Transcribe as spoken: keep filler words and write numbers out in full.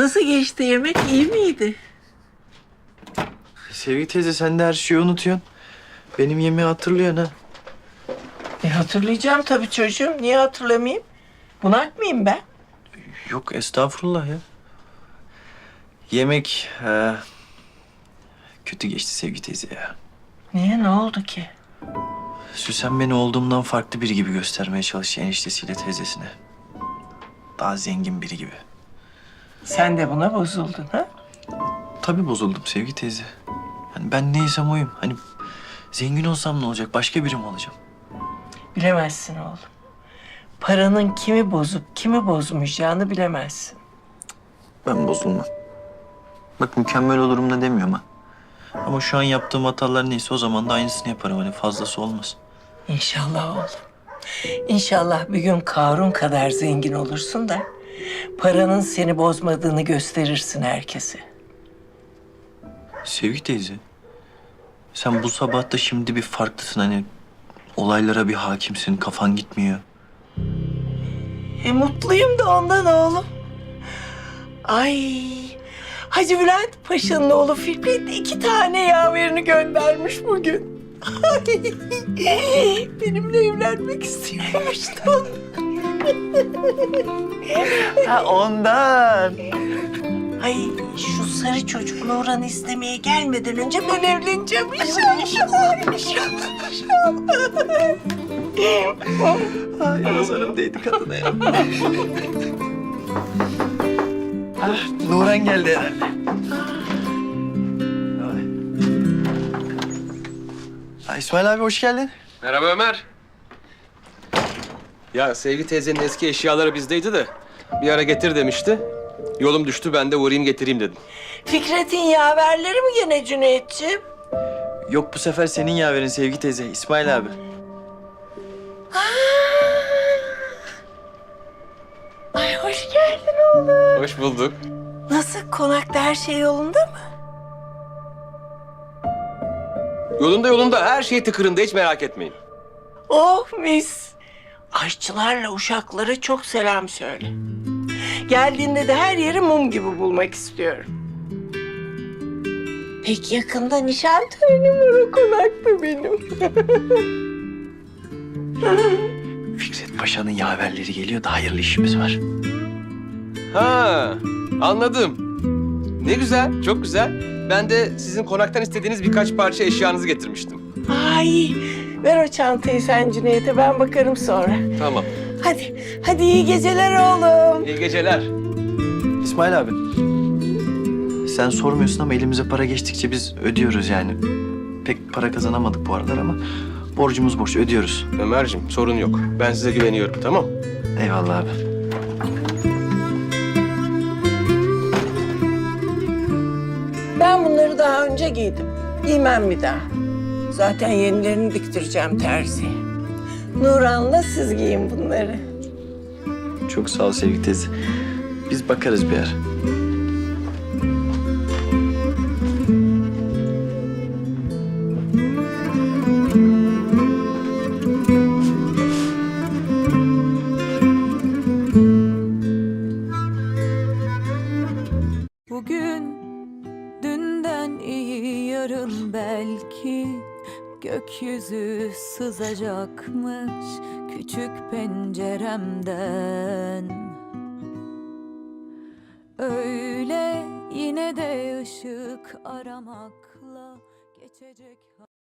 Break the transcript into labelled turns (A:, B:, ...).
A: Nasıl geçti yemek? İyi miydi?
B: Sevgi teyze sen de her şeyi unutuyorsun. Benim yemeği hatırlıyorsun ha.
A: E hatırlayacağım tabii çocuğum. Niye hatırlamayayım? Bunak mıyım ben?
B: Yok estağfurullah ya. Yemek e, kötü geçti Sevgi teyze ya.
A: Niye? Ne oldu ki?
B: Süsen beni olduğumdan farklı biri gibi göstermeye çalıştı eniştesiyle teyzesine. Daha zengin biri gibi.
A: Sen de buna bozuldun ha?
B: Tabii bozuldum Sevgi teyze. Yani ben neysem oyum. Hani zengin olsam ne olacak? Başka biri mi olacağım?
A: Bilemezsin oğlum. Paranın kimi bozup kimi bozmayacağını bilemezsin.
B: Ben bozulmam. Bak mükemmel olurum da demiyorum ha. Ama şu an yaptığım hatalar neyse o zaman da aynısını yaparım. Hani fazlası olmaz.
A: İnşallah oğlum. İnşallah bir gün Karun kadar zengin olursun da paranın seni bozmadığını gösterirsin herkese.
B: Sevgi teyze. Sen bu sabah da şimdi bir farklısın hani. Olaylara bir hakimsin, kafan gitmiyor.
A: E mutluyum da ondan oğlum. Ay, Hacı Bülent Paşa'nın oğlu Fikret iki tane yaverini göndermiş bugün. Ay, benimle evlenmek istiyormuş da.
B: Ha ondan.
A: Ay şu sarı çocuk Nurhan'ı istemeye gelmeden önce ben evleneceğim inşallah. İnşallah, inşallah.
B: Ay nazarım değdi kadına ya. ah, Nurhan geldi herhalde. Ay. Ay, İsmail abi hoş geldin.
C: Merhaba Ömer. Ya Sevgi teyzenin eski eşyaları bizdeydi de bir ara getir demişti. Yolum düştü ben de uğrayayım getireyim dedim.
A: Fikret'in yaverleri mi gene Cüneyt'ciğim?
B: Yok bu sefer senin yaverin Sevgi teyze, İsmail abi.
A: Ay hoş geldin oğlum.
C: Hoş bulduk.
A: Nasıl konakta her şey yolunda mı?
C: Yolunda yolunda her şey tıkırında hiç merak etmeyin.
A: Oh mis. Aşçılarla uşaklara çok selam söyle. Geldiğinde de her yeri mum gibi bulmak istiyorum. Pek yakında nişan törenim var o konakta benim.
B: Fikret Paşa'nın yaverleri geliyor da hayırlı işimiz var.
C: Ha, anladım. Ne güzel, çok güzel. Ben de sizin konaktan istediğiniz birkaç parça eşyanızı getirmiştim.
A: Ay ver o çantayı sen Cüneyt'e ben bakarım sonra.
C: Tamam.
A: Hadi, hadi iyi geceler oğlum.
C: İyi geceler.
B: İsmail abi. Sen sormuyorsun ama elimize para geçtikçe biz ödüyoruz yani. Pek para kazanamadık bu aralar ama borcumuz borç ödüyoruz.
C: Ömerciğim sorun yok. Ben size güveniyorum tamam.
B: Eyvallah abi.
A: Ben bunları daha önce giydim. Giymem bir daha. Zaten yenilerini diktireceğim terziye. Nurhan'la siz giyin bunları.
B: Çok sağ ol Sevgi teyze. Biz bakarız bir yer.
D: Bugün dünden iyi yarın belki gökyüzü sızacakmış küçük penceremden. Öyle yine de ışık aramakla geçecek.